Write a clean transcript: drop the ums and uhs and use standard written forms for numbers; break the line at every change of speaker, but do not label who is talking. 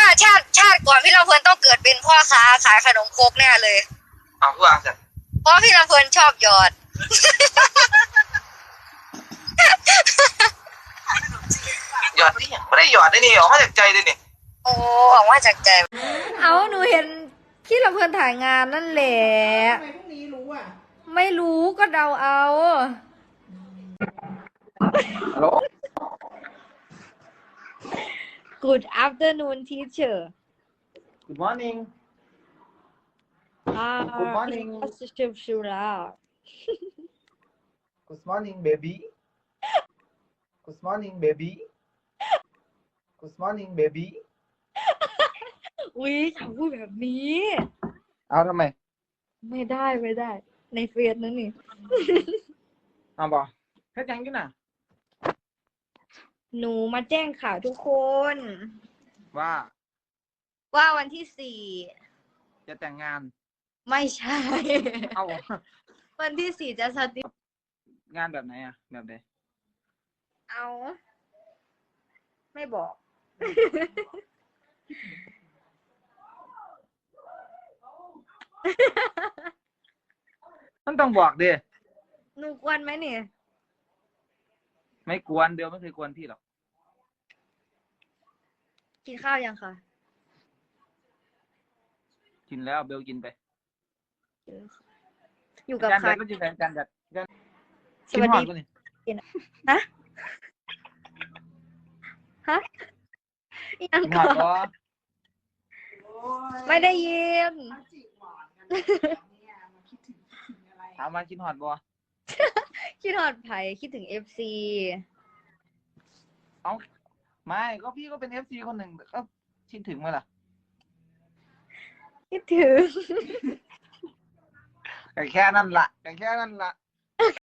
ชาติก่อนพี่ลำเพลินต้องเกิดเป็นพ่อค้าขายขนมครกแน่เลย
เอาผู้อ่านเสร็จ
เพราะพี่ลำเพลินชอบหยอด
หยอดที่ไม่ได้หยอดได้นี่ออกมาจากใจเลยนี่
โอ้หวังว่าจากใจเอาหนูเห็นพี่ลำเพลินถ่ายงานนั่นแหละ
ทำไมพรุ่งนี้รู้อ่ะ
ไม่รู้ก็เดาเอา
ฮัลโหล
Good afternoon teacher
Good morning Good morning Good morning baby Good morning baby Good morning baby
อุ๊ยเขาพูดแบบนี้
เอาทำไม
ไม่ได้ในเฟซนั่นนี่
เอาบอกแค่ยังกินน่ะ
หนูมาแจ้งข่าวทุกคน
ว่า
วันที่4
จะแต่งงาน
ไม่ใช่
เอา
วันที่4จะสติ
งานแบบไหนอ่ะแบบไหน
เอาไม่บอก
มันต้องบอกดิ
หนูกวนไหมเนี่ย
ไม่กวนเดียวไม่เคยกวนพี่หรอก
กินข้าวยังคะ
กินแล้วเบลกินไป
อยู่กับใคร
ก็กินแฟนกันจัด
สวัสดี ฮะยัง
กินห
ก่
อ
อ
ดบ่
นไม่ได้ยิน
ถามมากินหอดบ่
คิดหอดไผ่คิดถึง FC
เอาไม่ก็พี่ก็เป็น FC คนหนึ่งก็คิดถึงไหมล่ะ
คิดถึง
แค่นั้นละ